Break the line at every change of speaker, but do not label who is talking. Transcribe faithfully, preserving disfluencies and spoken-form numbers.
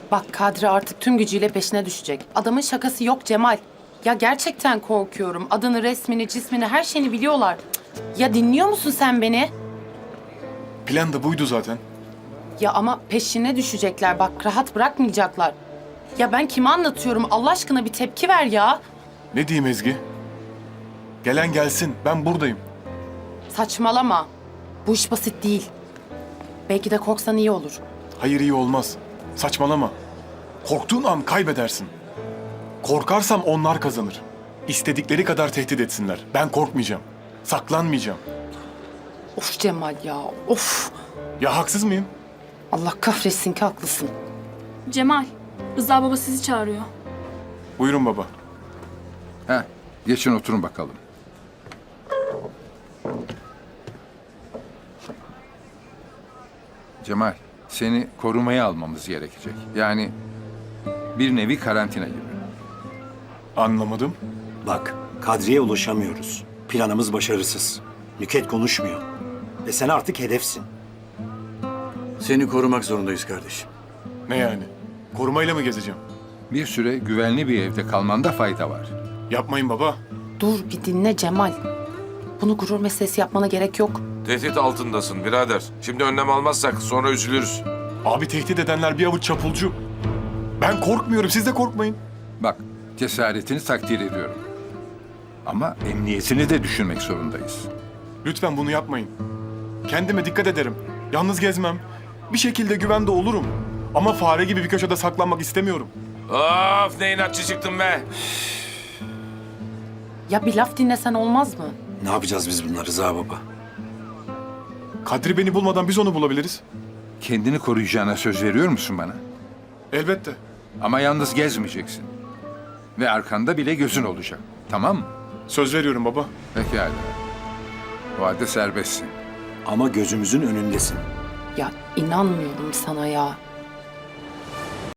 Bak Kadri artık tüm gücüyle peşine düşecek. Adamın şakası yok Cemal. Ya gerçekten korkuyorum. Adını, resmini, cismini, her şeyini biliyorlar. Cık. Ya dinliyor musun sen beni?
Plan da buydu zaten.
Ya ama peşine düşecekler. Bak rahat bırakmayacaklar. Ya ben kime anlatıyorum? Allah aşkına bir tepki ver ya.
Ne diyeyim Ezgi? Gelen gelsin, ben buradayım.
Saçmalama. Bu iş basit değil. Belki de korksan iyi olur.
Hayır, iyi olmaz. Saçmalama. Korktuğun an kaybedersin. Korkarsam onlar kazanır. İstedikleri kadar tehdit etsinler. Ben korkmayacağım. Saklanmayacağım.
Of Cemal ya, of.
Ya haksız mıyım?
Allah kahretsin ki haklısın.
Cemal, Rıza baba sizi çağırıyor.
Buyurun baba.
Heh, geçin oturun bakalım. Cemal, seni korumaya almamız gerekecek. Yani bir nevi karantina gibi.
Anlamadım.
Bak, Kadri'ye ulaşamıyoruz. Planımız başarısız. Nüket konuşmuyor. Ve sen artık hedefsin.
Seni korumak zorundayız kardeşim.
Ne yani? Korumayla mı gezeceğim?
Bir süre güvenli bir evde kalmanda fayda var.
Yapmayın baba.
Dur bir dinle Cemal. Bunu gurur meselesi yapmana gerek yok.
Tehdit altındasın birader. Şimdi önlem almazsak sonra üzülürüz.
Abi tehdit edenler bir avuç çapulcu. Ben korkmuyorum, siz de korkmayın.
Bak, cesaretini takdir ediyorum. Ama emniyetini de düşünmek zorundayız.
Lütfen bunu yapmayın. Kendime dikkat ederim. Yalnız gezmem. Bir şekilde güvende olurum. Ama fare gibi bir köşede saklanmak istemiyorum.
Of ne inatçı çıktın be.
Ya bir laf dinlesen olmaz mı?
Ne yapacağız biz bunları Rıza baba?
Kadri beni bulmadan biz onu bulabiliriz.
Kendini koruyacağına söz veriyor musun bana?
Elbette.
Ama yalnız gezmeyeceksin. Ve arkanda bile gözün olacak. Tamam mı?
Söz veriyorum baba.
Pekala. O halde serbestsin.
Ama gözümüzün önündesin.
Ya inanmıyorum sana ya.